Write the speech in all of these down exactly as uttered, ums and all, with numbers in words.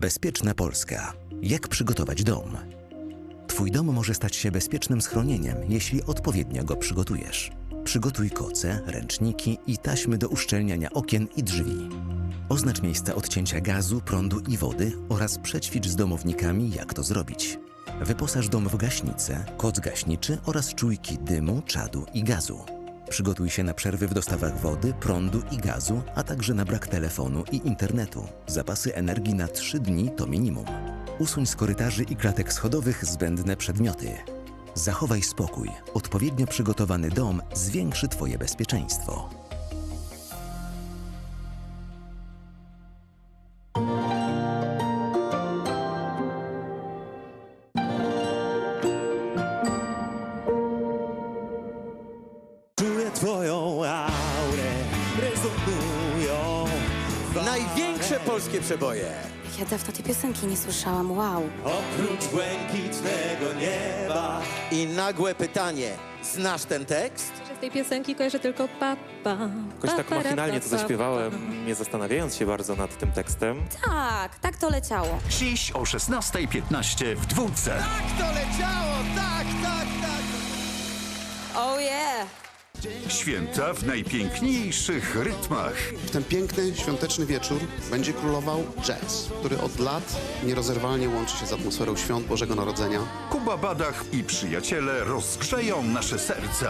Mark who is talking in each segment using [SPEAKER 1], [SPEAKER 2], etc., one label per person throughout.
[SPEAKER 1] Bezpieczna Polska. Jak przygotować dom? Twój dom może stać się bezpiecznym schronieniem, jeśli odpowiednio go przygotujesz. Przygotuj koce, ręczniki i taśmy do uszczelniania okien i drzwi. Oznacz miejsca odcięcia gazu, prądu i wody oraz przećwicz z domownikami, jak to zrobić. Wyposaż dom w gaśnicę, koc gaśniczy oraz czujki dymu, czadu i gazu. Przygotuj się na przerwy w dostawach wody, prądu i gazu, a także na brak telefonu i internetu. Zapasy energii na trzy dni to minimum. Usuń z korytarzy i klatek schodowych zbędne przedmioty. Zachowaj spokój. Odpowiednio przygotowany dom zwiększy Twoje bezpieczeństwo.
[SPEAKER 2] Czuję twoją aurę, rezonują.
[SPEAKER 3] Największe polskie przeboje.
[SPEAKER 4] Ja dawno tej piosenki nie słyszałam, wow.
[SPEAKER 2] Oprócz błękitnego nieba.
[SPEAKER 3] I nagłe pytanie. Znasz ten tekst?
[SPEAKER 5] Z tej piosenki kojarzę tylko papa.
[SPEAKER 6] Jakoś tak machinalnie to zaśpiewałem, nie zastanawiając się bardzo nad tym tekstem.
[SPEAKER 4] Tak, tak to leciało.
[SPEAKER 7] Dziś o szesnastej piętnaście w dwójce.
[SPEAKER 3] Tak to leciało, tak, tak, tak.
[SPEAKER 4] Oh yeah!
[SPEAKER 7] Święta w najpiękniejszych rytmach.
[SPEAKER 8] W ten piękny, świąteczny wieczór będzie królował jazz, który od lat nierozerwalnie łączy się z atmosferą świąt Bożego Narodzenia.
[SPEAKER 7] Kuba Badach i przyjaciele rozgrzeją nasze serca.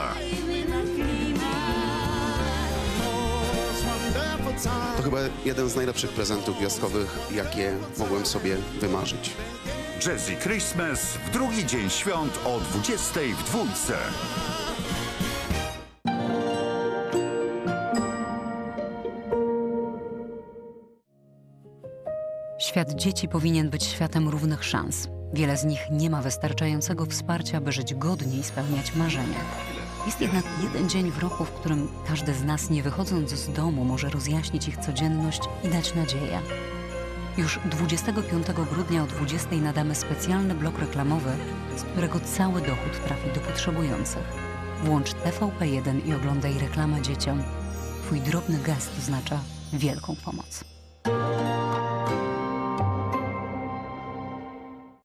[SPEAKER 8] To chyba jeden z najlepszych prezentów gwiazdkowych, jakie mogłem sobie wymarzyć.
[SPEAKER 7] Jazzy Christmas w drugi dzień świąt o dwudziestej w dwójce.
[SPEAKER 9] Świat dzieci powinien być światem równych szans. Wiele z nich nie ma wystarczającego wsparcia, by żyć godnie i spełniać marzenia. Jest jednak jeden dzień w roku, w którym każdy z nas, nie wychodząc z domu, może rozjaśnić ich codzienność i dać nadzieję. Już dwudziestego piątego grudnia o dwudziestej nadamy specjalny blok reklamowy, z którego cały dochód trafi do potrzebujących. Włącz T V P jeden i oglądaj reklamę dzieciom. Twój drobny gest oznacza wielką pomoc.